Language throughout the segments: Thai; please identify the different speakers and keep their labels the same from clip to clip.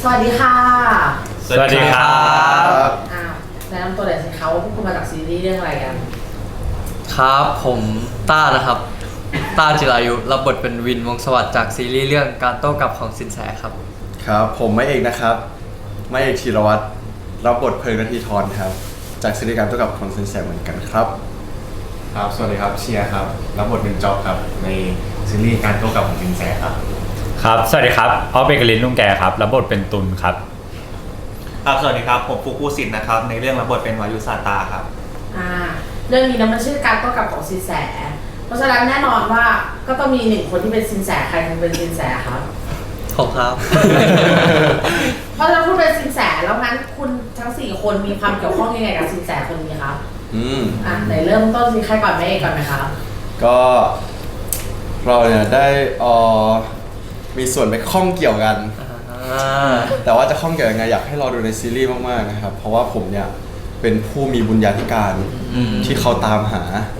Speaker 1: วัสดีค่ะ
Speaker 2: สวัสดีครับ
Speaker 1: แนะนำตัวหน่อยสิคะว่าพวกคุณมาจากซีรีส์เรื่องอะไรกัน
Speaker 3: ครับผมต้านะครับต้าจิรายุรับบทเป็นวินวงศ์สวัสดิ์จากซีรีส์เรื่องการโต้กลับของสินแสครับ
Speaker 4: ครับผมไม่เอกนะครับไม่เอกธีรวัตรรับบทเพลิงนาทีทรครับจากซีรีส์การโต้กลับของสินแสเหมือนกันครับ
Speaker 5: ครับสวัสดีครับเชียร์ครับรับบทเป็นจ็อบครับในซีรีส์การโต้กลับของสินแสครับ
Speaker 2: ครับสวัสดีครับออฟเบเกอรินลุงแกครับรับบทเป็นตุลครับ
Speaker 6: สวัสดีครับผมฟุกุสินนะครับในเรื่องรับบทเป็นวายุซาตาครับ
Speaker 1: เรื่องนี้นะมันชื่อการโต้กลับของสินแสเพราะฉะนั้นแน่นอนว่าก็ต้องมีหนึ่งคนที่เป็นสินแสใครเป็นสินแสครับ
Speaker 3: ผมครับ
Speaker 1: เพราะฉะนั้นคุณเป็นสินแสแล้วงั้นคุณทั้ง4คนมีความเกี่ยวข้องยังไงกับสินแสคนนี้ครับไหนเริ่มต้นสิใครก่อนแม่เอกก่อนไหมครับ
Speaker 4: ก็เราเนี่ยได้มีส่วนไปข้องเกี่ยวกันแต่ว่าจะข้องเกี่ยวยังไงอยากให้รอดูในซีรีส์มากๆนะครับเพราะว่าผมเนี่ยเป็นผู้มีบุญญาธิการที่เขาตามหา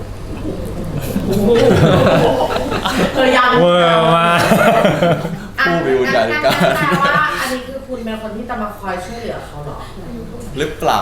Speaker 1: ยัง
Speaker 2: เวอร์มาก
Speaker 4: ผู้มีบุญญาธิการ
Speaker 1: แปลว่าอันนี้คือคุณเป็นคนที่จะมาคอยช่วยเหลือเขาหรอ
Speaker 4: หรือเปล่า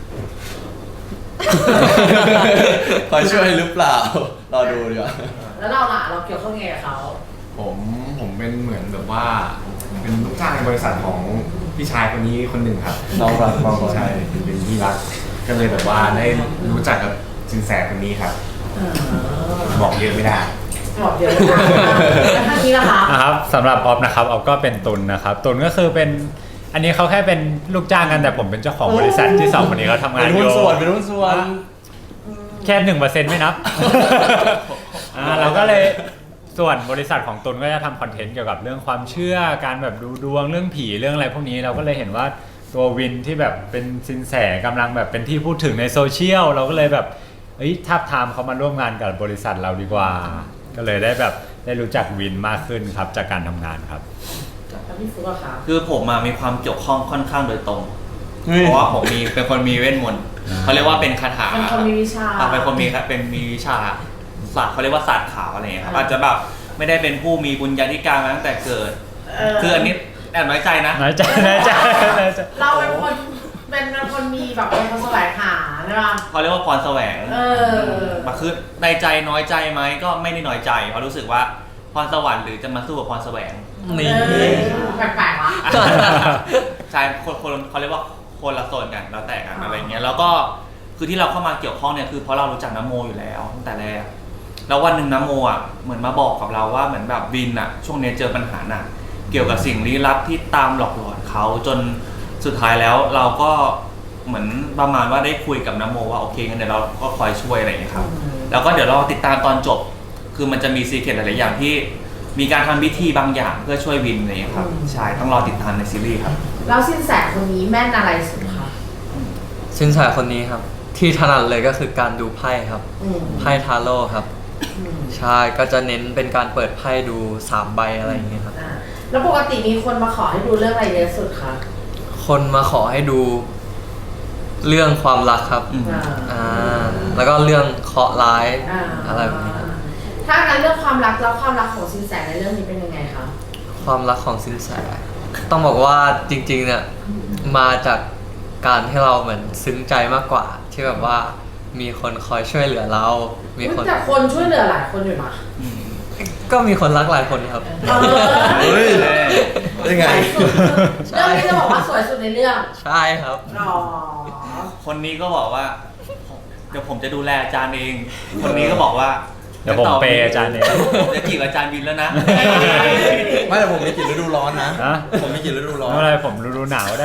Speaker 4: คอยช่วยหรือเปล่ารอดูดีกว่า
Speaker 1: แล้วเราล่ะเราเกี่ยวข้องยังไงกับเขา
Speaker 5: ผมเป็นเหมือนแบบว่าเป็นลูกจ้างในบริษัทของพี่ชายคนนี้คนหนึ่งครับ
Speaker 4: น้องรัก
Speaker 5: ใช่เป็นที่รักก็เลยแบบว่าได้รู้จักกับสินแสคนนี้ครับบอกเยอะไม่ได้
Speaker 1: บอกเยอะแล้วท่านนี้ล่ะคะ
Speaker 2: ครับสำหรับออฟนะครับออฟก็เป็นตุลนะครับตุลก็คือเป็นอันนี้เขาแค่เป็นลูกจ้างกันแต่ผมเป็นเจ้าของบริษัทที่2คนนี้เขาทำงานอยู่
Speaker 4: เป็นหุ้นส่วน
Speaker 2: แค่ 1% ไม่นับเราก็เลยส่วนบริษัทของตุลก็จะทำคอนเทนต์เกี่ยวกับเรื่องความเชื่อการแบบดูดวงเรื่องผีเรื่องอะไรพวกนี้เราก็เลยเห็นว่าตัววินที่แบบเป็นสินแสกำลังแบบเป็นที่พูดถึงในโซเชียลเราก็เลยแบบทับทามเขามาร่วมงานกับบริษัทเราดีกว่าก็เลยได้แบบได้รู้จักวินมากขึ้นครับจากการทำงานครับ
Speaker 1: พี่ฟุ๊กอะค่ะ
Speaker 6: คือผมมีความเกี่ยวข้องค่อนข้างโดยตรงเพราะว่าผมเป็นคนมีเวทมนต์เขาเรียกว่าเป็นคาถา
Speaker 1: เป็นคนมีวิชา
Speaker 6: เป็นคนมีวิชาศาสตร์เขาเรียกว่าศาสตร์ขาวอะไรเงี้ยครับอาจจะแบบไม่ได้เป็นผู้มีบุญญาธิการมาตั้งแต่เกิดคืออันนี้แอบน้อยใจนะ
Speaker 2: น้อยใจ
Speaker 1: เราเป็นคนมีแบบเป็นคนแสวงหาใช่ป่ะ
Speaker 6: เขาเรียกว่าพรแสวงมาคือในใจน้อยใจไหมก็ไม่ได้น้อยใจเพราะรู้สึกว่าพรสวรรค์หรือจะมาสู้กับพรแสวง
Speaker 1: นี่แปลกๆวะ
Speaker 6: ใช่คนเขาเรียกว่าคนละโซนกันแล้วแต่กันอะไรเงี้ยแล้วก็คือที่เราเข้ามาเกี่ยวข้องเนี่ยคือเพราะเรารู้จักน้ำโมอยู่แล้วตั้งแต่แรกแล้ววันหนึ่งน้ำโมเหมือนมาบอกกับเราว่าเหมือนแบบวินช่วงนี้เจอปัญหาหนักเกี่ยวกับสิ่งลี้ลับที่ตามหลอกหลอนเขาจนสุดท้ายแล้วเราก็เหมือนประมาณว่าได้คุยกับน้ำโมว่าโอเคงั้นเดี๋ยวเราก็คอยช่วยอะไรอย่างเงี้ยครับแล้วก็เดี๋ยวเราติดตามตอนจบคือมันจะมีซีเคร็ตหลายๆอย่างที่มีการทำพิธีบางอย่างเพื่อช่วยวินอะไรอย่างเงี้ยครับใช่ต้องรอติดตามในซีรีส์ครับ
Speaker 1: แล้วสินแสคนนี้แม่นอะไรสุดคะ
Speaker 3: สินแสคนนี้ครับที่ถนัดเลยก็คือการดูไพ่ครับไพ่ทาโร่ครับใช่ก็จะเน้นเป็นการเปิดไพ่ดู3ใบอะไรอย่างเงี้ยครับ
Speaker 1: แล้วปกติมีคนมาขอให้ดูเรื่องอะไรเยอะสุดคะ
Speaker 3: คนมาขอให้ดูเรื่องความรักครับแล้วก็เรื่องเคราะห์ร้ายอะไรแบบนี้
Speaker 1: ถ้าการเรื่องความรักแล้วความรักของสินแสในเรื่องนี้เป็นยังไงคะ
Speaker 3: ความรักของสินแสต้องบอกว่าจริงๆเนี่ยมาจากการที่เราเหมือนซึ้งใจมากกว่าที่แบบว่ามีคนคอยช่วยเหลือเรามีคน
Speaker 1: แต่คนช่วยเหลือหลายคนอยู่นะ
Speaker 3: ก็มีคนรักหลายคนครับ
Speaker 4: เฮ้ยยังไง
Speaker 1: เรื่องนี้จะบอกว่าสวยสุดในเรื่อง
Speaker 3: ใช่ครับ
Speaker 6: คนนี้ก็บอกว่าเดี๋ยวผมจะดูแลอาจารย์เองคนนี้ก็บอกว่า
Speaker 2: เดี๋ยวผมเปย์อาจารย์เอง
Speaker 6: จะจีบอาจารย์วินแล้วนะ
Speaker 4: ไม่แต่ผมมีกลิ่นฤดูร้อนนะผมมีกลิ่นฤดูร้อน
Speaker 2: อะไรผมฤดูหนาวได้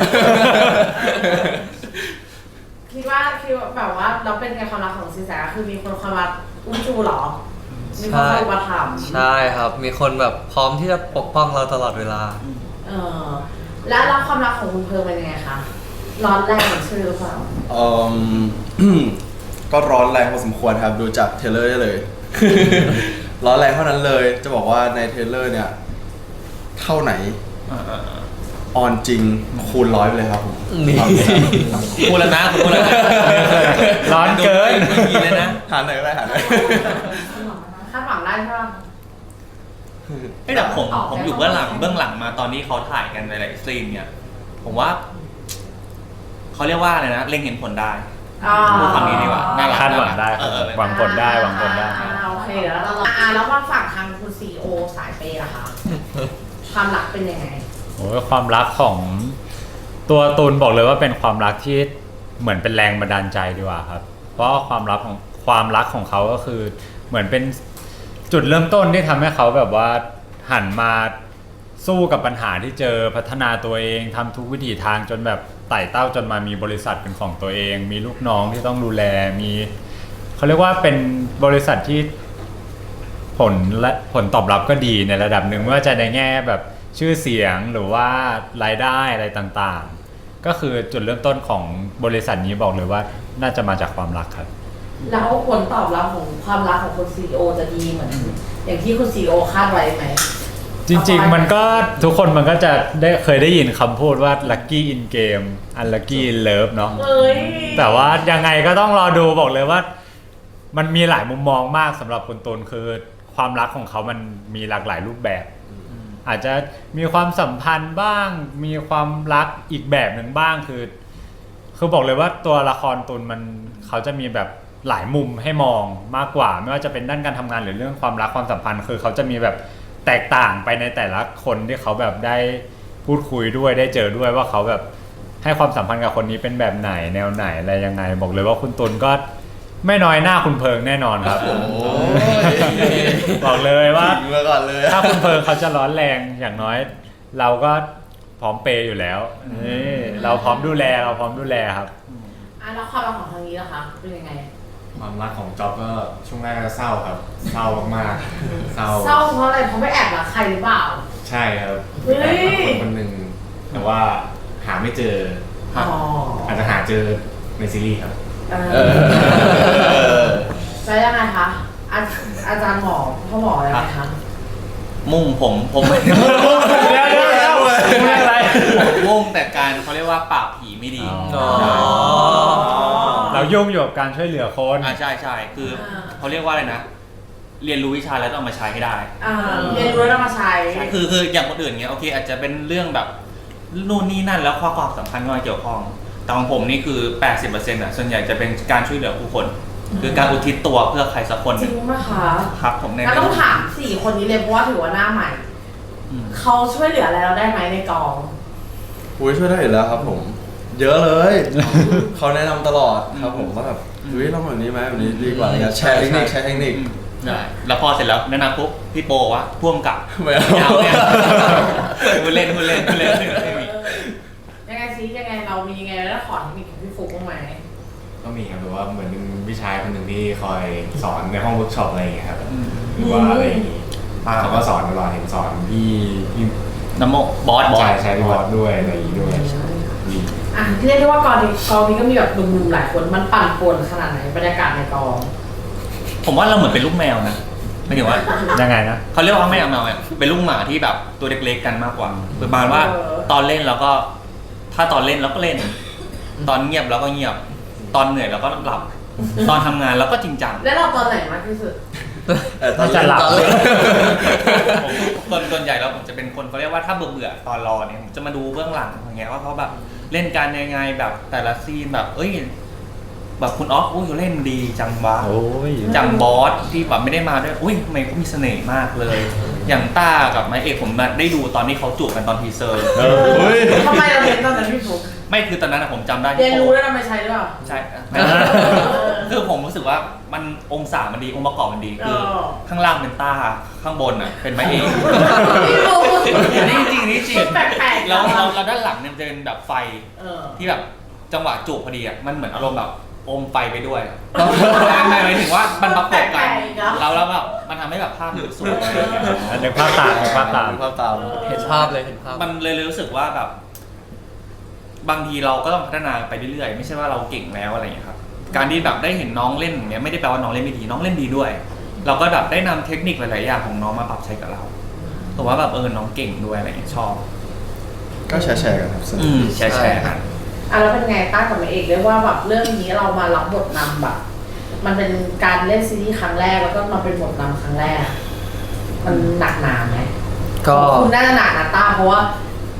Speaker 1: คิดว่าแบบว่าเราเป็นไงความรักของสินแสคือมีคนคอยมาอุ้มชูหรอมีคนคอยมาถาม
Speaker 3: ใช่ครับมีคนแบบพร้อมที่จะปกป้องเราตลอดเวลา
Speaker 1: แล้วความรักของคุณเพิร์ลเป็นยังไงคะร้อนแรงเหมือนชื่อหรือเปล่า
Speaker 4: ก็ร้อนแรงพอสมควรครับดูจากเทรลเลอร์ได้เลยร้อนแรงเท่านั้นเลยจะบอกว่าในเทรลเลอร์เนี่ยเท่าไหนออนจริงคูณ100ไปเลยครับผม
Speaker 6: คูณแล้วนะคูณแล้วนะ
Speaker 2: ร้อนเกิน
Speaker 6: ไม่มีเลยนะ
Speaker 4: หาไหนก็ได้หาไหน
Speaker 1: คาดหวังได้ใช่ไหม
Speaker 6: แต่ผมอยู่เบื้องหลังมาตอนนี้เขาถ่ายกันหลายๆซีนเนี่ยผมว่าเขาเรียกว่าอะไรนะเล็งเห็นผลได้
Speaker 1: อ่า
Speaker 6: พูดคำนี้ดีกว่าน่ารัก
Speaker 2: คาดหวังได้
Speaker 6: เออ
Speaker 2: หวังผลได้หวังผลได้
Speaker 1: โอเคเดี๋ยวเราแล้วว่าฝั่งทางคุณซีโอสายเปย์ล่ะคะ ความรักเป็นยังไง
Speaker 2: โอ้ยความรักของตัวตูนบอกเลยว่าเป็นความรักที่เหมือนเป็นแรงบันดาลใจดีกว่าครับ เพราะความรักของเขาก็คือเหมือนเป็นจุดเริ่มต้นที่ทำให้เขาแบบว่าหันมาสู้กับปัญหาที่เจอพัฒนาตัวเองทำทุกวิถีทางจนแบบไต่เต้าจนมามีบริษัทเป็นของตัวเอง มีลูกน้องที่ต้องดูแลมีเขาเรียกว่าเป็นบริษัทที่ผลตอบรับก็ดีในระดับหนึ่งไม่ว่าจะในแง่แบบชื่อเสียงหรือว่ารายได้อะไรต่างๆก็คือจุดเริ่มต้นของบริษัทนี้บอกเลยว่าน่าจะมาจากความรักครับ
Speaker 1: แล้วผลตอบรับของความรักของคุณซีโอจะดีเหมือนอย่างที่คุณซีโอคาดไว้ไหม
Speaker 2: จริงๆมันก็ทุกคนมันก็จะเคยได้ยินคำพูดว่า lucky in game unlucky in love เนาะ
Speaker 1: เอ้ย
Speaker 2: แต่ว่ายังไงก็ต้องรอดูบอกเลยว่ามันมีหลายมุมมองมากสำหรับคุณตูนคือความรักของเขามันมีหลากหลายรูปแบบ อาจจะมีความสัมพันธ์บ้างมีความรักอีกแบบหนึ่งบ้างคือบอกเลยว่าตัวละครตูนเขาจะมีแบบหลายมุมให้มองมากกว่าไม่ว่าจะเป็นด้านการทำงานหรือเรื่องความรักความสัมพันธ์คือเขาจะมีแบบแตกต่างไปในแต่ละคนที่เขาแบบได้พูดคุยด้วยได้เจอด้วยว่าเขาแบบให้ความสัมพันธ์กับคนนี้เป็นแบบไหนแนวไหนอะไรยังไงบอกเลยว่าคุณตูนก็ไม่น้อยหน้าคุณเพิงแน่นอนครับ บอกเลยว่า
Speaker 4: ทิ้งมาก่อนเลย
Speaker 2: ถ้าคุณเพิงเขาจะร้อนแรงอย่างน้อย เราก็พร้อมเปย์อยู่แล้วนี่เราพร้อมดูแลครับ
Speaker 1: แล้วความรักของทางนี้ล่ะคะเป็นยังไง
Speaker 5: ความรักของจ๊อบก็ช่วงแรกก็เศร้าครับเศร้ามากๆเศร้า
Speaker 1: เศร้าเพราะอะไรเพราะไม่แอบรักใครหรือเปล่า
Speaker 5: ใช่ครับ
Speaker 1: เฮ้ย
Speaker 5: คนคนหนึ่งแต่ว่าหาไม่เจอ
Speaker 1: อ๋อ
Speaker 5: อาจจะหาเจอในซีรีส์ครับ
Speaker 1: แล้วยังไงคะอาจารย์หมอพ่อหมออะไรไหมคะ
Speaker 6: มุ่งผมไม่
Speaker 2: เดี๋ยวไม่อะไร
Speaker 6: มุ่งแต่การเขาเรียกว่าปราบผีไม่ดี
Speaker 2: อ๋อ เรายุ่งอยู่กับการช่วยเหลือคน
Speaker 6: ใช่คือเขาเรียกว่าอะไรนะ เรียนรู้วิชาแล้วต้องเอามาใช้ให้ได้
Speaker 1: เรียนรู้แล้วมาใช้
Speaker 6: คืออย่างคนอื่นเงี้ยโอเคอาจจะเป็นเรื่องแบบนู่นนี่นั่นแล้วความสำคัญมาเกี่ยวข้องแต่ของผมนี่คือ 80%อ่ะส่วนใหญ่จะเป็นการช่วยเหลือผู้คน คือการอุทิศตัวเพื่อใครสักคน
Speaker 1: จริงไหมคะ
Speaker 6: ครับผมใน
Speaker 1: งั้นต้องถาม4คนนี้เลยเพราะว่าถือว่าหน้าใหม่ เขาช่วยเหลืออะไรเราได้ไหมในกอง
Speaker 4: อุ้ยช่วยได้อยู่แล้วครับผม เยอะเลย เขาแนะนำตลอดครับผมว่าแบบเฮ้ยลองแบบนี้ไหมแบบนี้ดีกว่าอะไรเงี้ยแชร์เทคนิค
Speaker 6: ได้แล้วพอเสร็จแล้วแนะนำปุ๊บพี่โปว่าพ่วงกับ
Speaker 4: ไม่เอา
Speaker 6: ยาวเนี่ยคุณเล่น
Speaker 1: ยังไงซิยังไงเรามียังไงแล้วขอเทคนิคของพี่ฟุกบ้างไหม
Speaker 5: ก็มีครับแบบว่าเหมือนเป็นพี่ชายคนหนึ่งที่คอยสอนในห้องเวิร์กช็อปอะไรอย่างเงี้ยครับหรือว่าอะไรอย่างงี้เขาก็สอนตลอดเห็นสอนพี่
Speaker 6: น้ำโมบอส
Speaker 5: ใช่พี่บอสด้วยอะไรอย่างงี้ด้วยดี
Speaker 1: เรียกได้ว่ากองนี้ก็มีแบบหนุ่มๆหลายคนมันปั่นป่วนขนาดไหนบรรยากาศในกอง
Speaker 6: ผมว่าเราเหมือนเป็นลูกแมวนะไม่ถึงว่า
Speaker 2: ยังไงนะ
Speaker 6: เขาเรียกว่าแมวเนี่ยเป็นลูกหมาที่แบบตัวเล็กๆกันมากกว่าประมาณว่าตอนเล่นเราก็ถ้าตอนเล่นเราก็เล่น ตอนเงียบเราก็เงียบ ตอนเหนื่อยเราก็หลับ ตอนทำงานเราก็จริงจัง
Speaker 1: แล้วเราตอนไหนมากที่สุด
Speaker 4: ตอน
Speaker 2: จะหลับ
Speaker 6: ผมส่วนใหญ่แล้วผมจะเป็นคนเขาเรียกว่าถ้าเบื่อตอนรอเนี่ยผมจะมาดูเบื้องหลังอย่างเงี้ยว่าเขาแบบเล่นการยังไงแบบแต่ละซีนแบบเอ้ยแบบคุณออฟอุ้ยเล่นดีจังวะ
Speaker 2: โอ้ย
Speaker 6: จังบอสที่แบบไม่ได้มาด้วยอุ้ยทำไมเขามีเสน่ห์มากเลย อย่างต้ากับไม้เอกผมได้ดูตอนที่เขาจูบกันตอนทีเซอร์
Speaker 1: ทำไมเราเห็นตอนนั้นพี่ฟุก
Speaker 6: ไม่คือตอนนั้นอะผมจำได้
Speaker 1: เรียน
Speaker 6: ที่
Speaker 1: รู้แล้วเราไม่ใช้หรือเปล่า
Speaker 6: ใช่คือผมรู้สึกว่ามันองศามันดีองค์ประกอบมันดีคือข้างล่างเป็นต้าข้างบนอ่ะเป็นไม้เอก
Speaker 1: พี่ฟุก
Speaker 6: นี่จริงนี่จริง
Speaker 1: แปลกๆ
Speaker 6: แล้วด้านหลังเนี่ยมันจะเป็นแบบไฟที่แบบจังหวะจูบพอดีอ่ะมันเหมือนอารมณ์แบบอมไฟไปด้วยหมายถึงว่ามันประกอบกันแล้วแบบมันทำให้แบบภาพมันสวยอะไรอย่างเงี้ย
Speaker 2: นึกภาพตาม
Speaker 4: ภาพตาม
Speaker 3: เห็นภาพเลยเห็นภาพ
Speaker 6: มันเลยรู้สึกว่าแบบบางทีเราก็ต้องพัฒนาไปเรื่อยๆไม่ใช่ว่าเราเก่งแล้วอะไรอย่างเงี้ยครับการที่แบบได้เห็นน้องเล่นอย่างเงี้ยไม่ได้แปลว่าน้องเล่นไม่ดีน้องเล่นดีด้วย เราก็แบบได้นำเทคนิคหลายๆอย่างของน้องมาปรับใช้กับเราแต่ว่าแบบน้องเก่งด้วยอะไรอย่างเงี้ยชอบ
Speaker 4: ก็แชร์กันครับสนุก
Speaker 6: แชร์กัน
Speaker 1: แล้วเป็นไงต้ากับแม่เอกเรียกว่าแบบเรื่องนี้เรามารับบทนำแบบมันเป็นการเล่นซีรีส์ครั้งแรกแล้วก็มาเป็นบทนำครั้งแรก มันหนักหนาไหม
Speaker 3: ก็
Speaker 1: คุณน่าจะหนักนะต้าเพราะว่า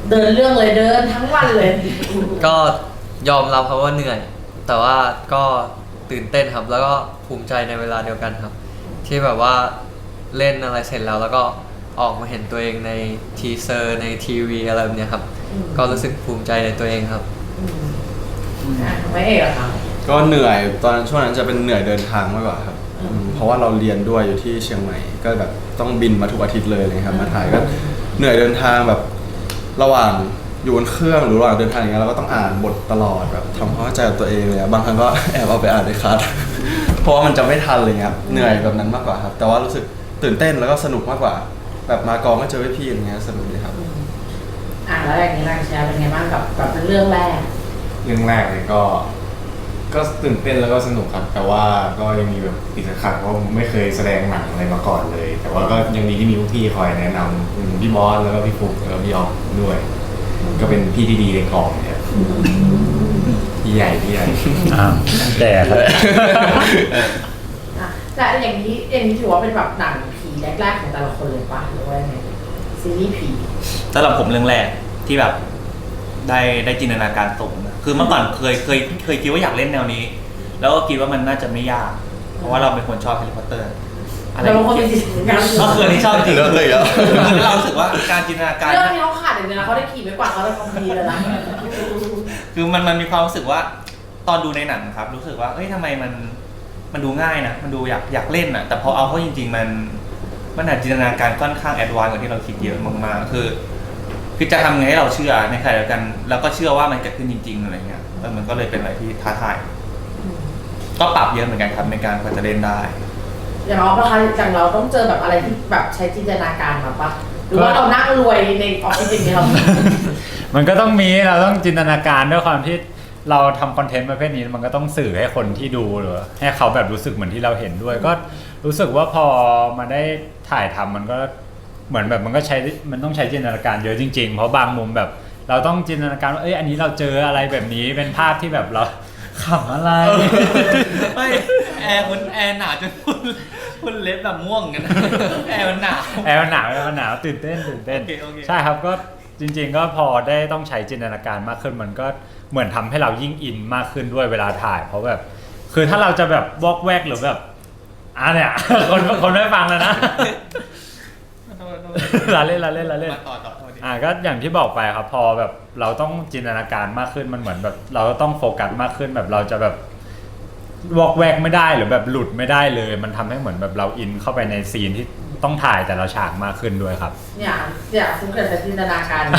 Speaker 1: เดินเรื่องเลยเดินทั้งวันเลย
Speaker 3: ก็ยอมรับครับว่าเหนื่อย แต่ว่าก็ตื่นเต้นครับ แล้วก็ภูมิใจในเวลาเดียวกันครับ ที่แบบว่าเล่นอะไรเสร็จแล้วก็ออกมาเห็นตัวเองในทีเซอร์ในทีวีอะไรแบบเนี้ยครับ ก็รู้สึกภูมิใจในตัวเองครับ
Speaker 1: ไม่เอกเหรอคะ
Speaker 4: ก็เหนื่อยตอนช่วงนั้นจะเป็นเหนื่อยเดินทางมากกว่าครับเพราะว่าเราเรียนด้วยอยู่ที่เชียงใหม่ ก็แบบต้องบินมาทุกอาทิตย์เลยครับมาถ่ายก็เหนื่อยเดินทางแบบระหว่างอยู่บนเครื่องหรือระหว่างเดินทางอย่างเงี้ยเราก็ต้องอ่านบทตลอดแบบทำความเข้าใจกับตัวเองเลยบางครั้งก็แอบเอาไปอ่านในคลาส เพราะว่ามันจะไม่ทันเลยครับเหนื่อยแบบนั้นมากกว่าครับแต่ว่ารู้สึกตื่นเต้นแล้วก็สนุกมากกว่า แบบมากองก็เจอพี่ๆอย่างเงี้ยสนุกดีครับ
Speaker 1: แล้วอย่างนี้นางแชร์เป็นไงบ้างกับเรื่องแรก
Speaker 5: เรื่องแรกเลยก็ตื่นเต้นแล้วก็สนุกครับ แต่ว่าก็ยังมีแบบติดขัดเพราะไม่เคยแสดงหนังอะไรมาก่อนเลย แต่ว่าก็ยังดีที่มีพี่คอยแนะนำพี่บอสแล้วก็พี่ฟุกแล้วก็พี่ออฟด้วย ก็เป็นพี่ที่ดีในกองเนี่ยพี่ใหญ่
Speaker 2: แต่ครับ
Speaker 1: แต่อย่างนี้ถือว่าเป็นแบบหนังผีแรกๆของแต่ละคนเลยป่ะหรือว่าไงซีรีส์ผี
Speaker 6: สำหรับผมเรื่องแรกที่แบบได้จินตนาการสูงนะคือเมื่อก่อนเคยคิดว่าอยากเล่นแนวนี้ แล้วก็คิดว่ามันน่าจะไม่ยาก เพราะว่าเราเป็นคนชอบแฮร์รี่พอตเตอร์อะไร
Speaker 1: เราเป็นคนมีจิตวิญญาณ
Speaker 6: ก็คืออันนี้ชอบจริง
Speaker 4: เรื่องเลยเหรอ
Speaker 6: คือเรารู้สึกว่าการจินตนาการ
Speaker 1: เรื่องนี้เขาขาดอย่างเดียวนะเขาได้ขี่ไม่กว่าเขาได้ความดีเลยนะ
Speaker 6: คือมันมีความรู้สึกว่าตอนดูในหนังครับ รู้สึกว่าเอ้ยทำไมมันดูง่ายนะมันดูอยากเล่นนะแต่พอเอาเข้าจริงๆมันอาจจินตนาการค่อนข้างแอดวานซ์กว่าที่เราคิดเยอะมากๆคือจะทำไงให้เราเชื่อในขณะเดียวกันแล้วก็เชื่อว่ามันเกิดขึ้นจริงๆอะไรเงี้ยมันก็เลยเป็นอะไรที่ท้าทายก็ปรับเยอะเหมือนกันครับในการกว่าจะเล่นได้
Speaker 1: อย่างเราประคะอย่างเราต้องเจอแบบอะไรที่แบบใช้จินตนาการมาปะหรือว่าเรานั่งรวยในออฟฟิศอย่างเงี้ยเรา
Speaker 2: มันก็ต้องมีเราต้องจินตนาการด้วยความที่เราทำคอนเทนต์ประเภทนี้มันก็ต้องสื่อให้คนที่ดูหรือให้เขาแบบรู้สึกเหมือนที่เราเห็นด้วย ก็รู้สึกว่าพอมาได้ถ่ายทำมันก็เหมือนแบบมันต้องใช้จินตนาการเยอะจริงๆเพราะบางมุมแบบเราต้องจินตนาการว่าอันนี้เราเจออะไรแบบนี้เป็นภาพที่แบบเราขำอะไร
Speaker 6: ไม่แอร์หนาวจนคุณเล็บแบบม่วงกันนะแอร์มันหนาว
Speaker 2: แอร์มันหนาวตื่นเต้น
Speaker 6: โอเค
Speaker 2: ใช่ครับก็จริงๆก็พอได้ต้องใช้จินตนาการมากขึ้นมันก็เหมือนทำให้เรายิ่งอินมากขึ้นด้วยเวลาถ่ายเพราะแบบคือถ้าเราจะแบบวอกแวกหรือแบบเนี่ย คนไม่ฟังแล้วนะ เราเล่น
Speaker 6: มาต่อดิ
Speaker 2: ก็อย่างที่บอกไปครับพอแบบเราต้องจินตนาการมากขึ้นมันเหมือนแบบเราต้องโฟกัสมากขึ้นแบบเราจะแบบวอกแวกไม่ได้หรือแบบหลุดไม่ได้เลยมันทำให้เหมือนแบบเราอินเข้าไปในซีนที่ต้องถ่ายแต่ละฉากมากขึ้นด้วยครับ
Speaker 1: เนี่ยฟุ้งเกิดจากจินตนาการ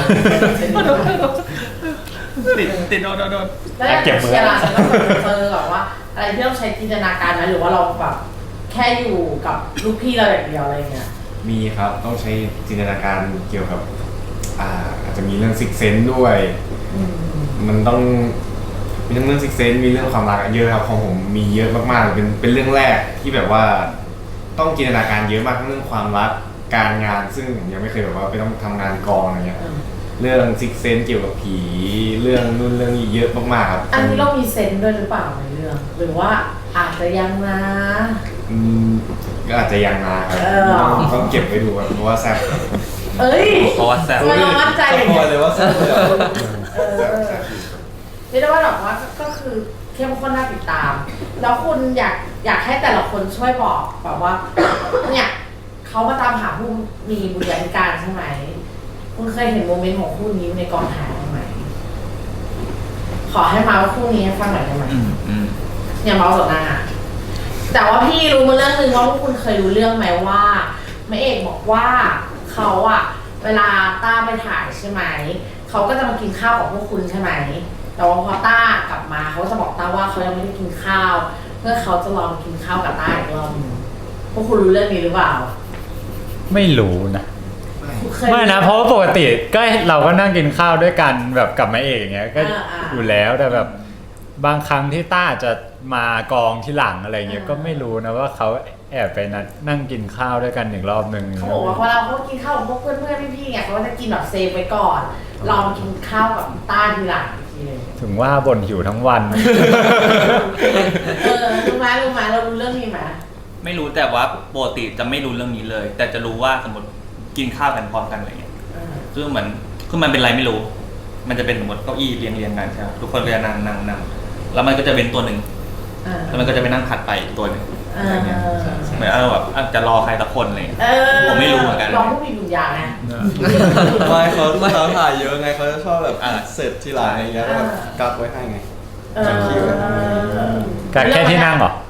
Speaker 6: ติดโดน
Speaker 1: แล้วอย่างเชียร์ล่ะฉันก็เจอแบบว่าอะไรที่ต้องใช้จินตนาการไหมหรือว่าเราแบบแค่อยู่กับลูกพี่เราอย่างเดียวอะไรเงี้ย
Speaker 5: มีครับต้องใช้จินตนาการเกี่ยวกับอาจจะมีเรื่องซิกเซนด้วยมันต้องมีทั้งเรื่องซิกเซนมีเรื่องความรักเยอะครับของผมมีเยอะมากๆเป็นเรื่องแรกที่แบบว่าต้องจินตนาการเยอะมากทั้งเรื่องความรักการงานซึ่งผมยังไม่เคยแบบว่าไปต้องทำงานกองอะไรเงี้ยเรื่องซิกเซนเกี่ยวกับผีเรื่องนู่นเรื่องนี้เยอะมากๆครับ
Speaker 1: อันนี้เรามีเซนส์ด้วยหรือเปล่าในเรื่องหรือว่าอาจจะยังนะ
Speaker 5: ก็อาจจะยังนะครับต้องเก็บไว้ดูครับเพราะว่าแซ่บ
Speaker 1: เอ้ย
Speaker 6: เพราะว่าแซ่บ
Speaker 1: ทำไมเรามั่นใจอย่าง
Speaker 4: พ
Speaker 1: เงี้
Speaker 4: อย เลยว่าสนุกเลย
Speaker 5: แซ่บอยู่
Speaker 1: เรียกได้ว่าแบบว่าก็คือเข้มข้นน่าติดตาม แล้วคุณอยากให้แต่ละคนช่วยบอกแบบว่าเนี่ยเขามาตามหาผู้มีบุญญาธิการใช่ไหมคุณเคยเห็นโมเมนต์ของคู่นี้ในกองถ่ายไหมขอให้มาว่าคู่นี้ให้ฟังหน่อยได้ไหมอย่าเมาสดหน้าแต่ว่าพี่รู้มาเรื่องนึงว่าพวกคุณเคยรู้เรื่องไหมว่าแม่เอกบอกว่าเขาอะเวลาต้าไปถ่ายใช่ไหมเขาก็จะมากินข้าวกับพวกคุณใช่ไหมแต่ว่าพอต้ากลับมาเขาจะบอกต้าว่าเขายังไม่ได้กินข้าวเพื่อเขาจะลองกินข้าวกับต้าอีกรอบนึงพวกคุณรู้เรื่องนี้หรือเปล่า
Speaker 2: ไม่รู้นะ
Speaker 1: เคย
Speaker 2: ไม่นะเพราะว่าปกติก็เราก็นั่งกินข้าวด้วยกันแบบกับแม่เอกอย่างเงี้ยก็อยู่แล้วแต่แบบบางครั้งที่ต้าจะมากองที่หลังอะไรเงี้ยก็ไม่รู้นะว่าเขาแอบไปนั่งกินข้าวด้วยกันอีกรอบนึง
Speaker 1: เขาบอกว่าเวลาเขากินข้าวกับพวกเพื่อนๆพี่ๆไงเขาก็จะกินแบบเซฟไว้ก่อนลองกินข้าวกับต้าทีหลังอีกทีนึง
Speaker 2: ถึงว่าบ่นหิวทั้งวัน
Speaker 1: รู้ไหมเรารู้เรื่องนี้ไหม
Speaker 6: ไม่รู้แต่ว่าปกติจะไม่รู้เรื่องนี้เลย แต่จะรู้ว่าสมมติกินข้าวกันพร้อมกันอะไรเงี้ยคือเหมือนคือมันเป็นอะไรไม่รู้ มันจะเป็นหมดเก้าอี้เรียงกันใช่ไหมทุกคนก็จะนั่งแล้วมันก็จะเป็นตัวหนึ่ง
Speaker 1: อ่า
Speaker 6: แล้วมันก็จะไปนั่งผัดไปอีกตัวหนึ่ง
Speaker 1: อ่า
Speaker 6: อะไรเงี้ยเหมือนแบบจะรอใครสักคนอะไรเลยผมไม่รู้เหมือนกัน
Speaker 1: ลองผู้มีบุญญาไง
Speaker 4: ไม่เขาถ่ายเยอะไงเขาจะชอบแบบ
Speaker 6: อ่า
Speaker 4: เสร็จทีหลังอะไรเงี้ยแล้วแบบกักไว้ให้ไง จัดคิวไว้ให้
Speaker 2: การแค่ที่นั่งเหรอ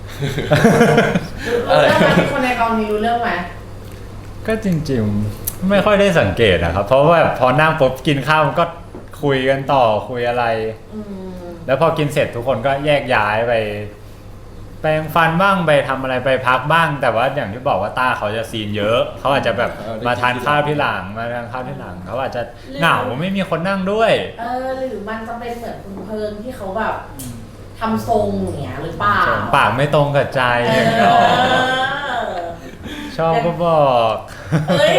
Speaker 1: รู้เรื่องไหมมีคนในกองนี้รู้เรื่องไหม
Speaker 2: ก็จริงๆไม่ค่อยได้สังเกตนะครับ เพราะว่าพอนั่งปุ๊บกินข้าวมันก็คุยกันต่อคุยอะไร
Speaker 1: อืม
Speaker 2: แล้วพอกินเสร็จทุกคนก็แยกย้ายไปแปรงฟันบ้างไปทำอะไรไปพักบ้าง แต่ว่าอย่างที่บอกว่าต้าเขาจะซีนเยอะเขาอาจจะแบบมาทานข้าวที่หลังมาทานข้าวที่หลังเขาอาจจะเหงาไม่มีคนนั่งด้วย
Speaker 1: หรือมันจะเป็นเหมือนคุณเพิงที่เขาแบบทำทรงอย่างเงี้ยหรือเปล่า
Speaker 2: ปากไม่ตรงกับใจอย่างเงี้ย
Speaker 1: เออ
Speaker 2: ชอบก็บอก
Speaker 1: เฮ้ย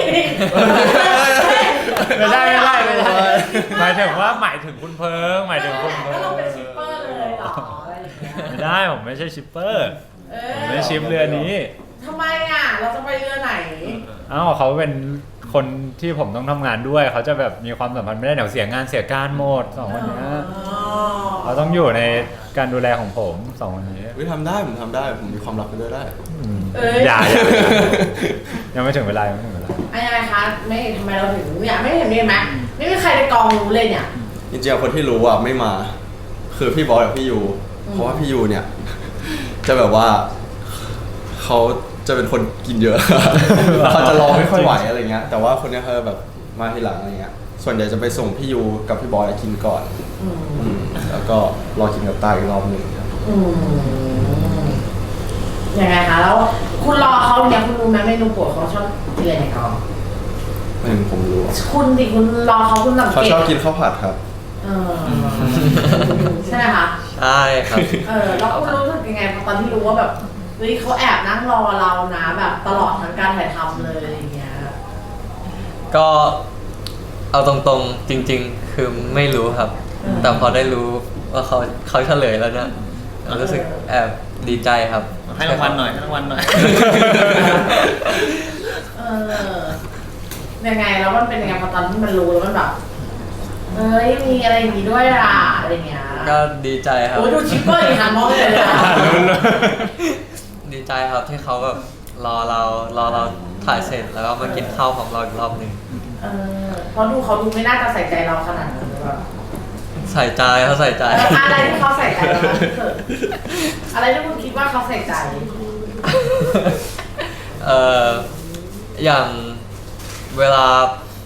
Speaker 2: ไม่ได้หมายถึงว่าหมายถึงคุณเพิงหมายถึงคุณเพิ
Speaker 1: ก็
Speaker 2: ง
Speaker 1: เราเป็นชิปเปอร์เลยเหรออะไรอย่างเงี้ย
Speaker 2: ไม่ได้ผมไม่ใช่ชิปเปอร์
Speaker 1: เอ
Speaker 2: ผมไม่ได้ชิปเรือนี้
Speaker 1: ทำไมอ่ะ เราจะไปเรือไหน
Speaker 2: อ้าวเขาเป็นคนที่ผมต้องทำงานด้วยเขาจะแบบมีความสัมพันธ์ไม่ได้เดี๋ยวเสียงานเสียการหมดสองคนเนี้ยเขาต้องอยู่ในการดูแลของผมสองคนนี้
Speaker 4: วิทำได้ผมทำได้ผมมีความลับไปด้วยได้
Speaker 1: เอ้ย
Speaker 2: อย่ายังไม่ถึงเวลายังไม่ถึงเวลา
Speaker 1: อะไรคะไม่ทำไมเราถึงอยากไม่เห็นมีไหมไม่มีใครในกองรู้เลยเนี่ย
Speaker 4: จริงๆคนที่รู้อ่ะไม่มา คือพี่บอสกับพี่ยูเพราะว่าพี่ยูเนี่ย จะแบบว่าเขาจะเป็นคนกินเยอะ เขาจะรอไม่ค่อยไหวอะไรเงี้ยแต่ว่าคนเนี้ยเขาแบบมาทีหลังอะไรเงี้ยส่วนใหญ่จะไปส่งพี่ยูกับพี่บอสกินก่อน
Speaker 1: อืม
Speaker 4: แล้วก็รอกินกับตาอีกรอบหนึ่งครับ
Speaker 1: อืมยังไงคะแล้วคุณรอเขาเนี่ยคุณรู้ไหมเมนูโปรดเขาชอบกินอะไรในกอง
Speaker 4: ไม่รู้ผมรู้อะ
Speaker 1: คุณดิคุณรอเขาคุณสัง
Speaker 4: เขา
Speaker 1: เกต
Speaker 4: ชอบกินข้าวผัดครับ
Speaker 1: เออใช่ไหมคะ
Speaker 3: ใช่ครับ
Speaker 1: แล้วคุณรู้สึกยังไงพอตอนที่รู้ว่าแบบเฮ้ยเขาแอบนั่งรอเรานะแบบตลอดทั้งการถ่ายทำเลยอย่างเงี้ย
Speaker 3: ก็เอาตรงๆจริง ๆ คือไม่รู้ครับ แต่พอได้รู้ว่าเขาเฉลยแล้วเนี่ยรู้สึกแอบดีใจครับ
Speaker 6: ให้รางวัลหน่อยให้รางวัลหน่อย
Speaker 1: เออยังไงแล้วมันเป็นยังไงพอตอนที่มันรู้แล้วมันแบบเอ้ยมีอะไรอย่างนี้ด้วยล่ะอะไรเงี้ย
Speaker 3: ก็ดีใจครับ
Speaker 1: โอ้ยดูชิปเปอร์อีกหันมองเลยนะ
Speaker 3: ดีใจครับที่เขาแบบรอเราถ่ายเสร็จแล้วก็มากินข้าวของเราอีกรอบหนึ่ง
Speaker 1: เพราะดูเขาดูไม่น่าจะใส่ใจเราขนาดนั้นหรือเปล่า
Speaker 3: ใส่ใจเขาใส่ใจ
Speaker 1: อะไรที่เขาใส่ใจเราบ้างที่สุดอะไรที่คุณคิดว่าเขาใส่ใจ
Speaker 3: อย่างเวลา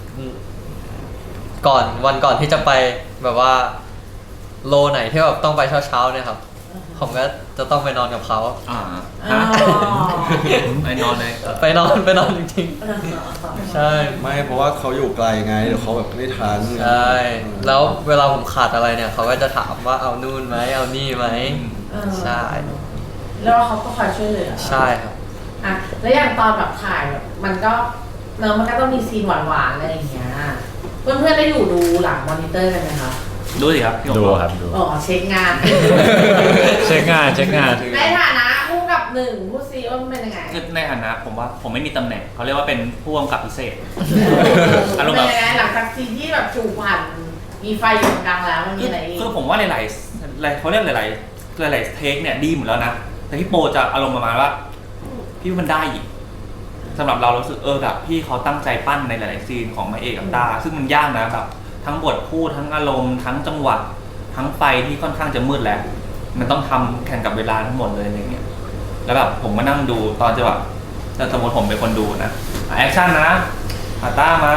Speaker 3: วันก่อนที่จะไปแบบว่าโลไหนที่แบบต้องไปเช้าเนี่ยครับ ผมก็จะต้องไปนอนกับเขา
Speaker 6: อ่า
Speaker 1: อ๋อ
Speaker 6: ไอ้นอนเลย
Speaker 3: ไปนอนจริงๆ ใช่
Speaker 4: ไม่เพราะว่าเขาอยู่ไกลไงเดี๋ยวเขาแบบไม่ทัน
Speaker 3: ใช่ แล้วเวลาผมขาดอะไรเนี่ยเขาก็จะถามว่าเอานู่นไหมเอานี่ไหม ใช่
Speaker 1: แล้วเขาก็คอยช่วยเหลือ
Speaker 3: ใช่ครับ
Speaker 1: อ่ะแล้วอย่างตอนแบบถ่ายแบบมันก็เนอะมันก็ต้องมีซีนหวานๆอะไรอย่างเงี้ยเพื่อนๆได้อยู่ดูหลังมอนิเตอร์กันไหมคะ
Speaker 6: ดูสิครับพี่หง
Speaker 2: ดูครับดู
Speaker 1: อ๋อเช็คงาน
Speaker 2: เช็คงาน
Speaker 1: ในฐานะคู่กับหนึ่งผู้ซีว่ามันเป็นยังไง
Speaker 6: คือในฐานะผมว่าผมไม่มีตำแหน่งเขาเรียกว่าเป็นผู้กำกับพิเศษ
Speaker 1: อารมณ์เป็นยังไงหลังจากซีนที่แบบจูบผ่านมีไฟอยู่ตรงกลางแล้วมันมีอะไรอีก
Speaker 6: คือผมว่าหลายๆเขาเรียกหลายๆเทคเนี่ยดีหมดแล้วนะ แต่พี่โปจะอารมณ์ประมาณว่าพี่ว่ามันได้อีกสำหรับเรารู้สึกแบบพี่เขาตั้งใจปั้นในหลายๆซีนของมาเอกกับตาซึ่งมันยากนะแบบทั้งบทพูดทั้งอารมณ์ทั้งจังหวะทั้งไฟที่ค่อนข้างจะมืดแล้วมันต้องทำแข่งกับเวลาทั้งหมดเลยอะไรเงี้ยแล้วแบบผมมานั่งดูตอนจะแบบถ้าสมมติผมเป็นคนดูนะแอคชั่นนะอาต้ามา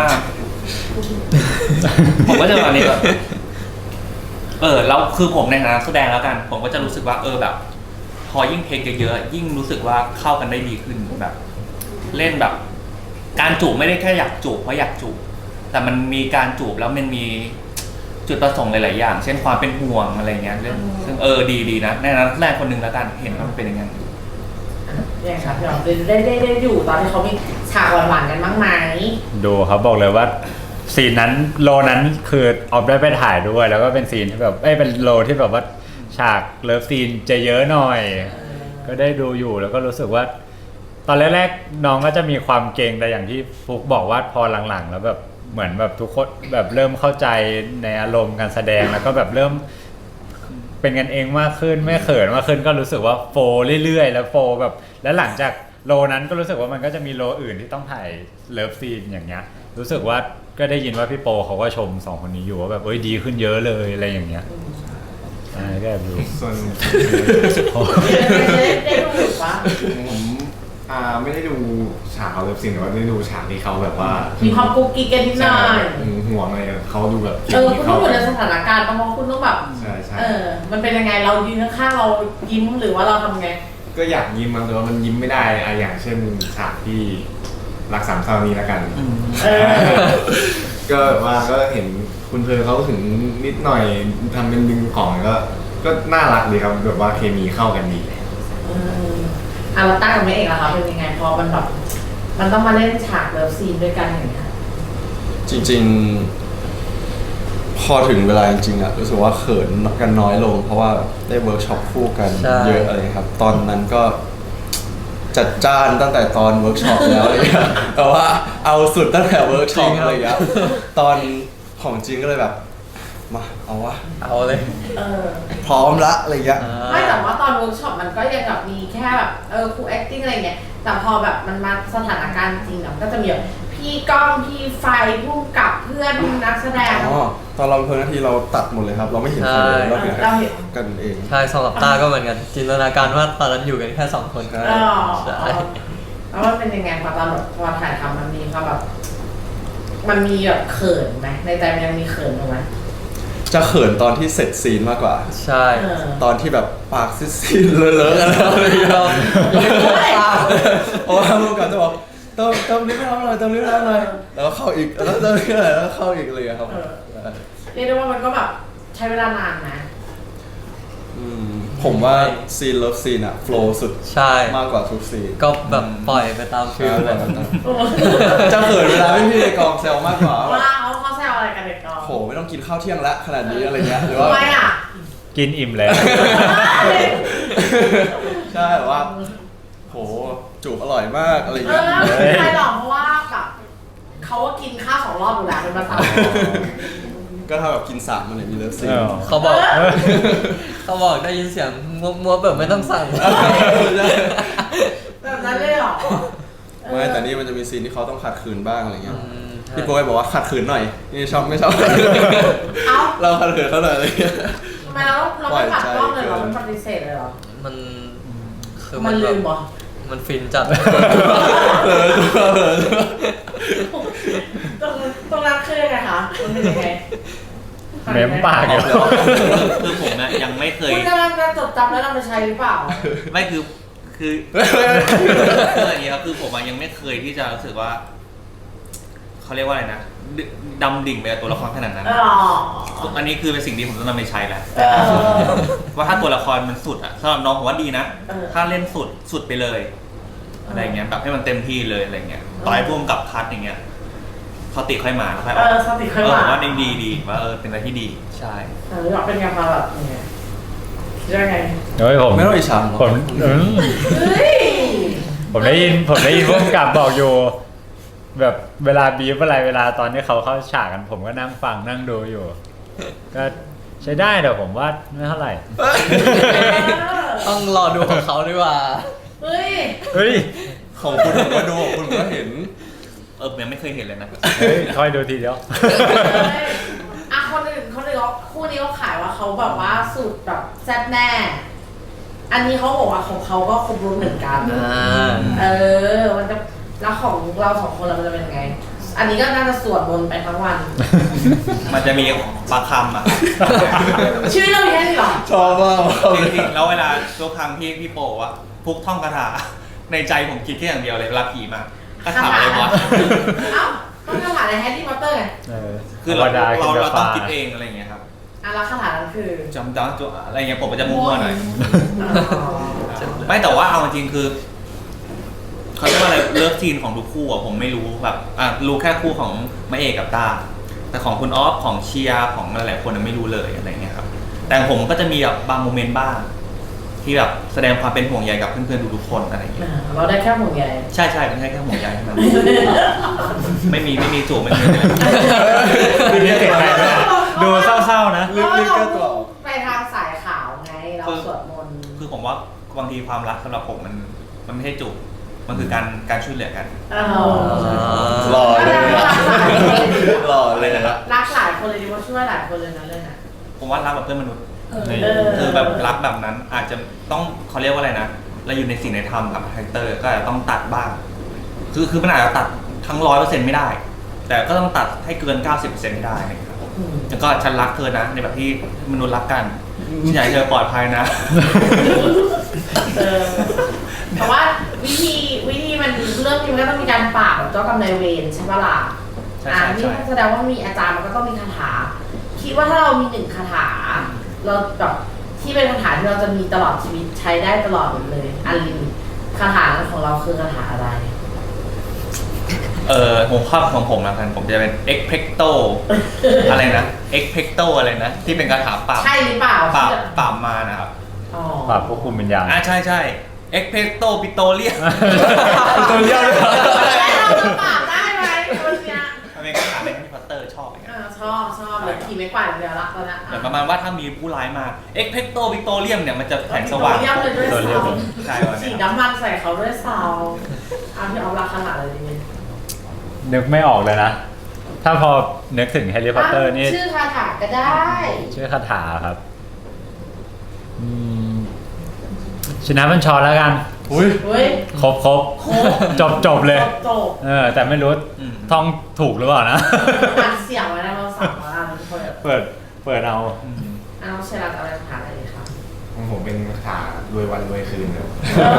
Speaker 6: ผมก็จะแบบนี้แบบแล้วคือผมในฐานะแสดงแล้วกัน ผมก็จะรู้สึกว่าแบบ พอยิ่งเพลงเยอะๆยิ่งรู้สึกว่าเข้ากันได้ดีขึ้นแบบ เล่นแบบ การจูบไม่ได้แค่อยากจูบเพราะอยากจูบแต่มันมีการจูบแล้วมันมีจุดประสงค์หลายๆอย่าง เช่นความเป็นห่วงอะไรเงี้ยเรื่องซึ่งดีนะในนั้นแรกคนหนึ่งแล้วกันเห็นว่ามันเป็นยังไง
Speaker 1: อย่างครับพี่อ๋อได้อยู่ตอนที่เขามีฉากหวานๆกันบ้างไหม
Speaker 2: ดูครับบอกเลยว่าซีนนั้นโลนั้นคือออฟได้ไปถ่ายด้วย แล้วก็เป็นซีนที่แบบเป็นโลที่แบบว่าฉากเลิฟซีนจะเยอะหน่อย ก็ได้ดูอยู่แล้วก็รู้สึกว่า ตอนแรกๆน้องก็จะมีความเกรงแต่อย่างที่ฟุกบอกว่าพอหลังๆแล้วแบบเหมือนแบบทุกคนแบบเริ่มเข้าใจในอารมณ์การแสดงแล้วก็แบบเริ่มเป็นกันเองมากขึ้นไม่เขินมากขึ้นก็รู้สึกว่าโฟล์เรื่อยๆแล้วโฟล์แบบแล้วหลังจากโลนั้นก็รู้สึกว่ามันก็จะมีโลอื่นที่ต้องถ่ายเลิฟซีนอย่างเงี้ยรู้สึกว่าก็ได้ยินว่าพี่โปเขาก็ชมสองคนนี้อยู่ว่าแบบดีขึ้นเยอะเลยอะไรอย่างเงี้ยก็แบบดู
Speaker 5: ส่วน
Speaker 1: ได้ดูหรือปะ
Speaker 5: ผมไม่ได้ดูฉากเขาเลิฟซีนแต่ว่าได้ดูฉากที่เขาแบบว่า
Speaker 1: มีความกุ๊กกิ๊กกันนิดหน่อย
Speaker 5: ห่วงอะไรเขาดูแบบ
Speaker 1: คุณต้องอยู่ในสถานการณ์เพราะคุณต้องแบบ
Speaker 5: ใช่ใช่
Speaker 1: มันเป็นยังไงเรายืนข้างๆเรายิ้มหรือว่าเราทำไง
Speaker 5: ก็อยากยิ้มมันแต่ว่ามันยิ้มไม่ได้อย่างเช่นฉากที่รักสามเศร้านี้แล้วกัน ก็แบบว่าก็เห็นคุณเพลเขาถึงนิดหน่อยทำเป็นดึงของก็น่ารักดีครับแบบว่าเคมีเข้ากันดี
Speaker 1: เราตั้งกับแม่เอกล่ะคะเป็นยังไงพอมันแบบมันต้องมาเล่นฉากเลิฟซีนด้วยกันอย่างเงี้ย
Speaker 4: จริงๆ พอถึงเวลาจริงๆอะรู้สึกว่าเขินกันน้อยลง เพราะว่าได้เวิร์กช็อปคู่กัน
Speaker 3: ใช่
Speaker 4: เยอะอะไรครับ ตอนนั้นก็จัดจ้านตั้งแต่ตอนเวิร์กช็อปแล้วอะไรเงี้ยแต่ว่าเอาสุดตั้งแต่เวิร์กช็อปอะไรเงี้ยตอนของจริงก็เลยแบบมาเอาวะ
Speaker 3: เอาเลย
Speaker 4: พร้อมละอะไรเงี้ย
Speaker 1: ไม่แต่ว่าตอนเวิร์กช็อปมันก็ยังแบบมีแค่แบบครู acting อะไรเงี้ยแต่พอแบบมันมาสถานการณ์จริงอะก็จะมีแบบพี่ก้องพี่ไฟผู้กำกับเพื่อนนักแสดง
Speaker 4: ตอนเราเพลินนาทีเราตัดหมดเลยครับ เราไม่เห็นใครเลยเราเห็น
Speaker 1: เราเห็น
Speaker 4: กันเอง
Speaker 3: ใช่สำหรับตาก็เหมือนกันจินตนาการว่าตอนนั้นอยู่กันแค่2 คน
Speaker 4: ใช่
Speaker 3: ใช่
Speaker 1: แล้วมันเป็นยังไงพอตอนแบบพอถ่ายทำมันมีความแบบมันมีแบบเขินไหมในใจมันยังมีเขินอยู่ไหม
Speaker 4: จะเขินตอนที่เสร็จซีนมากกว่า
Speaker 3: ใช่
Speaker 4: ตอนที่แบบปากซีดๆเลอะๆกันแล้วอะไรอย่างเงี้ยเพราะว่าเมื่อก่อนจะบอกเติมลิฟต์ให้เราหน่อยเติมลิฟต์ให้เราหน่อยแล้วก็เข้าอีกแล้วเติมลิฟต์ให้เราหน่อยแล้วก็เข้าอีกเลยครับ
Speaker 1: เรียกได้ว่ามันก็แบบใช้เวลานานนะ
Speaker 4: ผมว่าซีนเลิฟซีนอะโฟล์สุด
Speaker 3: ใช่
Speaker 4: มากกว่าทุกซีน
Speaker 3: ก็แบบปล่อยไปตามฟิลเลย
Speaker 4: จะเขินเวลาพี่ในกองแซวมากกว่า
Speaker 1: ว่าเขาแซวอะไรกันเด็กกอง
Speaker 4: โหไม่ต้องกินข้าวเที่ยงละขนาดนี้อะไรเงี้ยหรือว่า
Speaker 1: ทำไมอ่ะ
Speaker 2: กินอิ่มแล้ว
Speaker 4: ใช่แบบว่าโหจูบอร่อยมากอะไรเงี้ย
Speaker 1: ไม่ใช่หรอกเพราะว่าแบบเขาก็กินข้าว2 รอบอยู่แล้วเป็นประจำ
Speaker 4: ก็เท่ากับกิน3มันเลยมีเลิฟซีน
Speaker 3: เขาบอกได้ยินเสียงมัวแบบไม่ต้องสั่ง
Speaker 1: แบบนั้นเลยเหรอ
Speaker 4: ไม่แต่นี่มันจะมีซีนที่เขาต้องขัดขืนบ้างอะไรเงี้ย
Speaker 3: ใช่
Speaker 4: พี่โป้ยบอกว่าขัดขืนหน่อยนี่ชอบไม่ชอบ
Speaker 1: เอ้า
Speaker 4: เราขัดขืนเขาหน่อยอะไรเงี้ย
Speaker 1: ทำไมเราไม่ปัดกล้องเลยเหรอมันปฏิเสธเลยเหรอ
Speaker 3: มันคือ
Speaker 1: มัน
Speaker 3: แบ
Speaker 1: ลื
Speaker 3: บ
Speaker 1: มเหรอ
Speaker 3: มันฟินจัด
Speaker 1: ตรงนั้นคือยังไงคะมันเป็นยังไง
Speaker 2: เม้มปากอยู่
Speaker 6: คือผมนะยังไม่เคย
Speaker 1: คุณกำลังจะจดจำแล้วนำไปใช้หรือเปล่า
Speaker 6: ไม่คือคืออย่างนี้ครับคือผมยังไม่เคยที่จะรู้สึกว่าเขาเรียกว่าอะไรนะดำดิ่งไปกับตัวละครขนาดนั้น อันนี้คือเป็นสิ่งที่ผมต้องนำไปใช้แหละว่าถ้าตัวละครมันสุดอะสำหรับน้องผมว่าดีนะ ถ้าเล่นสุดไปเลยอะไรเงี้ยแบบให้มันเต็มที่เลยอะไรเงี้ยต่อให้พุ่มกับคัดอย่างเงี้ยเขาติค่อยมาแล้วค่อยออก
Speaker 1: สติค่อยมา
Speaker 6: ผมว่าดีว่าเป็นอะไรที่ดีใช่
Speaker 1: อยากเป็นไงมาแบบยังไงคิดว่าไง
Speaker 2: เฮ้ยผม
Speaker 4: ไม่ต้องอิจฉา
Speaker 2: ผม
Speaker 1: เฮ้ย
Speaker 2: ผมได้ยินผู้กำกับบอกอยู่ แบบเวลาบีฟอะไรเวลาตอนที่เขาเข้าฉากกันผมก็นั่งฟังนั่งดูอยู่ ก็ใช้ได้แต่ผมว่าไม่เท่าไหร่
Speaker 3: ต้องรอดูของเขาดีกว่า
Speaker 1: เฮ้ย
Speaker 2: เฮ้ย
Speaker 4: ของคุณผมก็ดูของคุณผมก็เห็น
Speaker 6: ยังไม่เคยเห็นเลยนะ
Speaker 2: เฮ้ยคอยดูทีเดียว
Speaker 1: คนอื่นคู่นี้เขาขายว่าเขาแบบว่าสูตรแบบแซ่บแน่ อันนี้เขาบอกว่าของเขาก็ครบรสเหมือนกัน มันจะแล้วของเรา2 คนเราจะเป็นยังไง อันนี้ก็น่าจะสวดมนต์ไปทั้งวัน
Speaker 6: มันจะมีบางคำอ่ะ
Speaker 1: ชื่อเรื่องแค่นี้หรอ
Speaker 4: ชอบมาก
Speaker 6: จริงๆแล้วเวลาทุกครั้งที่พี่โปว่าพุกท่องคาถาในใจผมคิดแค่อย่างเดียวเลยเวลาผีมาคาถาอะไรวะ
Speaker 1: เอ้าต้องคาถาในแฮร์รี่พอตเตอร์ไง
Speaker 6: คือเราต้องคิดเองอะไรอย่างเงี้ยครับ
Speaker 1: แล้วคาถานั้นคือ
Speaker 6: จำได้ตัวอะไรเงี้ยผมก็จะมั่วๆหน่อยไม่แต่ว่าเอาจริงคือเขาเรียกว่าอะไรเลิฟซีนของทุกคู่อ่ะผมไม่รู้แบบรู้แค่คู่ของมาเอกกับตาแต่ของคุณออฟของเชียร์ของหลายๆคนไม่รู้เลยอะไรเงี้ยครับแต่ผมก็จะมีแบบบางโมเมนต์บ้างที่แบบแสดงความเป็นห่วงใยกับเพื่อนๆทุกๆคนอะไรอย่างเงี้ย
Speaker 1: เราได้แค่ห่วงใย
Speaker 6: ใช่ใช่ไม่ใช่แค่ห่วงใยเท่านั้น ไม่มีจูบไม่มีอะไร
Speaker 2: ดูนี่ติดใจด้วยดูเศร้าๆนะ
Speaker 4: รีบแก้ตัว
Speaker 1: ไปทางสายขาวไงเราสวดมนต์
Speaker 6: คือผมว่าบางทีความรักสำหรับผมมันไม่ใช่จูบมันคือการช่วยเหลือกัน
Speaker 4: หล่อเลยนะหล่อเลยนะ
Speaker 1: รักหลายคนเลยดีว่าช่วยหลายคนเลยนะเรื่องน่ะ
Speaker 6: ผมว่ารักแบบเพื่อนมนุษย์
Speaker 1: เออ
Speaker 6: คือแบบรักแบบนั้นอาจจะต้องเขาเรียกว่าอะไรนะเราอยู่ในสิ่งในธรรมกับคาแรคเตอร์ก็อาจจะต้องตัดบ้างคือมันอาจจะตัดทั้ง 100% ไม่ได้ แต่ก็ต้องตัดให้เกิน 90% ให้ได้นะครับแล้วก็ฉันรักเธอนะในแบบที่มนุษย์รักกันฉันอยากให้เธอปลอดภัยนะ
Speaker 1: แต่ว่าวิธีมันเรื่องนี้มันก็ต้องมีการปราบแบบเจ้ากรรมนายเวรใช่ปะล่ะ
Speaker 6: ใช่ใช่
Speaker 1: นี่
Speaker 6: ใช่
Speaker 1: แสดงว่ามีอาจารย์มันก็ต้องมีคาถา คิดว่าถ้าเรามี1 คาถา เราแบบที่เป็นคาถาที่เราจะมีตลอดชีวิตใช้ได้ตลอดเลยอันลิมิตคาถาของเราคือคาถาอะไร
Speaker 6: หัวข้อของผมนะผมจะเป็น expecto อะไรนะ expecto อะไรนะ ที่เป็นคาถาปราบ
Speaker 1: ใช่หรือเปล่า
Speaker 6: ปราบมานะครับ
Speaker 1: อ๋อ
Speaker 2: ปรับควบคุมวิญญาณ
Speaker 6: ใช่ใช่ expecto Pitolium
Speaker 2: ตัวเลี้ยวเลย
Speaker 1: แล้วเราจะปราบได้ไหมวันเนี้ย
Speaker 6: มันเป็นคาถาในแฮร์รี่พอตเตอร์ชอบอย่างเงี้ย
Speaker 1: ชอบเลยขี่ไม่กวาดอย่างเดียวละตอนนี้
Speaker 6: เหมือนประมาณว่าถ้ามีผู้ร้ายมา expecto Pitolium เนี่ยมันจะแสงสว่าง
Speaker 1: เยี่ยมเลยด้วย
Speaker 2: ตัวเลี้ยว
Speaker 1: เสา
Speaker 6: ใช่วัน
Speaker 1: ฉี
Speaker 6: นี้
Speaker 1: ดน้ำมันใส่เขาด้วยเสาเอาที่เอาราคาอะไรดีเนี่ย
Speaker 2: นึกไม่ออกเลยนะ ถ้าพอนึกถึงแฮร์รี่พอตเตอร์นี่
Speaker 1: ชื่อคาถาก็ได้
Speaker 2: ชื่อคาถาครับชนะบัญชรแล้วกัน
Speaker 4: อุ้ย
Speaker 1: เฮ้ย
Speaker 2: ครบจบเลย
Speaker 1: จบ
Speaker 2: แต่ไม่รู้ท่องถูกหรือเปล่านะ
Speaker 1: อัดเสียงไว้นะเราสั่งมาทุกคน
Speaker 2: เปิดเอา
Speaker 1: เอาเชลัดอะไรคาถาอะไรดีครับ
Speaker 5: ของผมเป็นคาถารวยวันรวยคืนครับ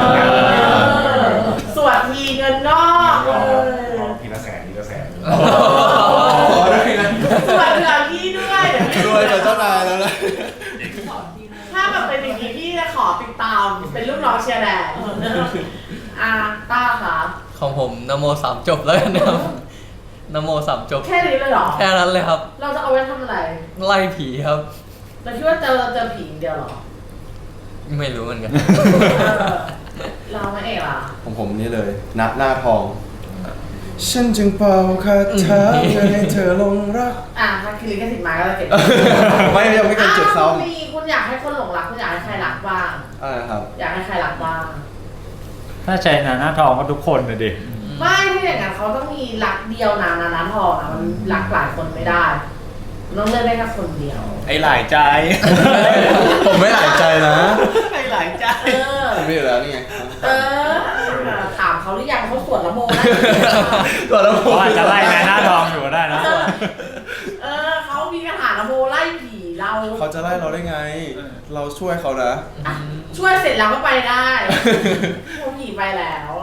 Speaker 1: สวัสดีเงินนอกเลย
Speaker 5: ทีละแสนทีละแสน
Speaker 4: ขอด้วยนะ
Speaker 1: สวัสดีพี่ด้วย
Speaker 4: รวยกับเจ้านายแล้วนะ
Speaker 1: ถ้าแบบเป็นอย่างนี้พี่จะขอติดตามเป็นลูกน้องเชียร์แดงต้าค่ะ
Speaker 3: ของผมนโม3 จบแล้วกันนะครับนโม3 จบ
Speaker 1: แค่นี้เลยเหรอ
Speaker 3: แค่นั้นเลยครับ
Speaker 1: เราจะเอาไว้ทำอะไร
Speaker 3: ไล่ผีครับ
Speaker 1: เราคิดว่าเจอผีอย่างเดียวเหรอ
Speaker 3: ไม่รู้เหมือนกัน
Speaker 1: เราไม่เอกล่ะ
Speaker 4: ของผมนี่เลยนับหน้าทอง ฉันจึงเป่าคาถาเพื่อให้เธอหลงรัก
Speaker 1: ถ้าคิริกสิทธิ์มาก็จะเก็บ
Speaker 4: ไม่ยังไม่เคยเจ็บซ้
Speaker 1: มีคุณอยากให้คนหลงรักคุณอยากให้ใครรักบ้าง
Speaker 4: ำอะไรครับ
Speaker 1: อยากให้ใครรักบ้าง
Speaker 2: ถ้าใช้หน้าทองก็ทุกคนเลยดิ
Speaker 1: ไม่ที่อย่างนั้นเขาต้องมีรักเดียวนะทองนะมันรักหลายคนไม่ได้มันต้องเลือกได้แค่คนเดียว
Speaker 6: ไอ้หลายใจ
Speaker 4: ผมไม่หลายใจนะ
Speaker 6: ไอ้หลายใจ
Speaker 4: ผมมีอยู่แล้วนี่ไง
Speaker 1: ถามเขาหรือยังเขาสวดละโมได้
Speaker 4: ตัวแล้วผ
Speaker 2: เขา
Speaker 4: ม
Speaker 2: อาจจะไล่แม่หน้าทองอยู่ก็ได้นะ
Speaker 1: เขามีคาถาละโมไล่ผีเรา
Speaker 4: เขาจะไล่เราได้ไง เราช่วยเขานะ
Speaker 1: ช่วยเสร็จแล้วก็ไปได้พวกผีไปแล้ว